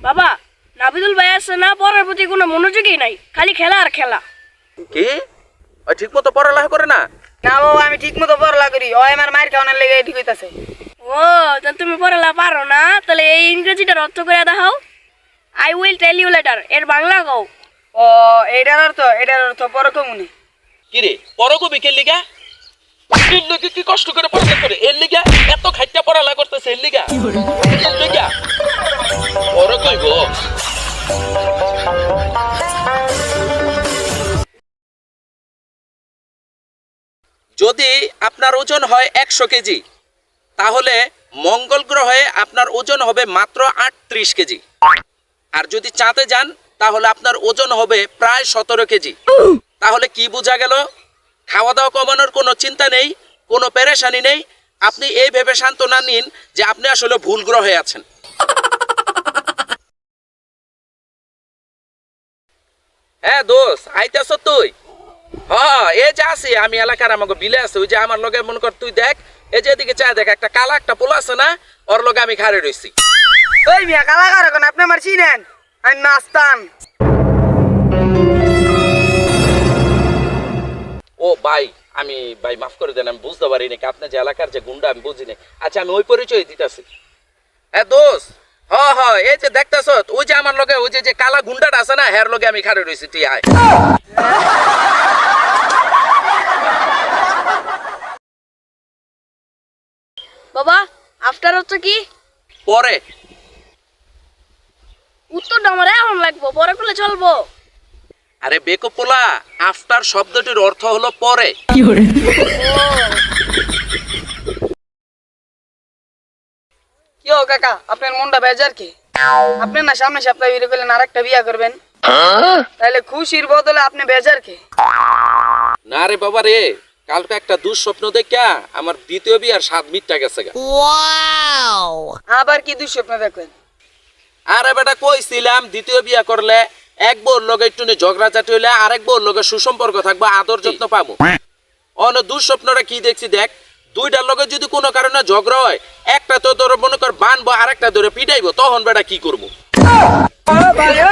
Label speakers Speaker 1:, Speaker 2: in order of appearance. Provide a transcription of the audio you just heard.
Speaker 1: বাবা, নাবিদুল ভাই আছে না, পড়ার প্রতি কোনো মনোযোগই নাই, খালি খেলা আর খেলা।
Speaker 2: কি ওই ঠিক মতো পড়ালেখা করে না?
Speaker 3: না বাবা, আমি ঠিক মতো পড়ালা করি, ওই আমার মায়ের খাওয়ানোর লেগে ঠিক হইতাছে।
Speaker 1: ও, তাহলে তুমি পড়ালা পারো না? তাহলে এই ইংরেজিটার অর্থ করে দেখাও। I will tell you later, এর বাংলা কও।
Speaker 3: ও, এটার অর্থ পরে কমুনি।
Speaker 2: কি রে পরকবি কে লিগা? এর লিগা কি কষ্ট করে পড়ালেখা করে? এর লিগা এত খাইটা পড়ালেখা করতেছে? এর লিগা পরকইব। যদি আপনার ওজন হয় 100 কেজি, তাহলে মঙ্গল গ্রহে আপনার ওজন হবে মাত্র 38 কেজি। আর যদি চাঁদে যান তাহলে আপনার ওজন হবে প্রায় 17 কেজি। তাহলে কি বোঝা গেল? খাওয়া দাওয়া কমানোর কোনো চিন্তা নেই, কোনো পেরেশানি নেই। আপনি এই ভেবে সান্ত্বনা নিন যে আপনি আসলে ভুল গ্রহে আছেন। হ্যাঁ দোস্ত, আইতাছ তুই? হ্যাঁ, এই যে আছি আমি, এলাকার আমাকে বিলে আছে। ওই যে আমার লগে মনে কর, তুই দেখ, এই যে এদিকে চা দেখ, একটা কালা একটা পোলা আছে না, ওর লগে আমি খাড়ে রইছি।
Speaker 3: ওই মিয়া কালাকার এখন আপনি আমার চিনেন? আমি নাস্তান।
Speaker 2: ও ভাই, আমি ভাই মাফ করে দেন, আমি বুঝতে পারি নাকি আপনি যে এলাকার যে গুন্ডা, আমি বুঝি না। আচ্ছা, আমি ওই পরিচয় দিতেছি। হ্যাঁ দোস্ত, হ্যাঁ এই যে দেখতেছ, ওই যে আমার লগে ওই যে কালা গুন্ডাটা আছে না, হের লগে আমি খাড়ে রইছি। তুই আয়।
Speaker 1: বাবা, আফটার অর্থ কি?
Speaker 2: পরে।
Speaker 1: উত্তরটা আমার এখন লাগবো, পরে করলে চলবো?
Speaker 2: আরে বেকপোলা, আফটার শব্দটির অর্থ হলো পরে।
Speaker 3: কি ও কাকা, আপনার মনটা বেজার কি? আপনি না সামনে সপ্তাহে বিয়ে করলেন, আর একটা বিয়া করবেন, তাহলে খুশির বদলে আপনি বেজার কি?
Speaker 2: না রে বাবা রে, কালকে একটা দুঃস্বপ্ন দেখা আমার দ্বিতীয় বিয়ার স্বাদ মিটটা গেছে গা।
Speaker 3: আবার কি দুঃস্বপ্ন দেখবেন?
Speaker 2: আরে বেটা, কইছিলাম দ্বিতীয় বিয়া করলে এক বউর লগে একটু ঝগড়াঝাটি হইলে আরেক বউর লগে সুসম্পর্ক থাকবো, আদর যত্ন পাবো। অন্য দুঃস্বপ্নটা কি দেখছি দেখ, দুইটার লগে যদি কোনো কারণে ঝগড়া হয়, একটা তো তোর মনে কর বানবো, আরেকটা ধরে পিটাইবো, তখন বেটা কি করবো?
Speaker 3: ভাই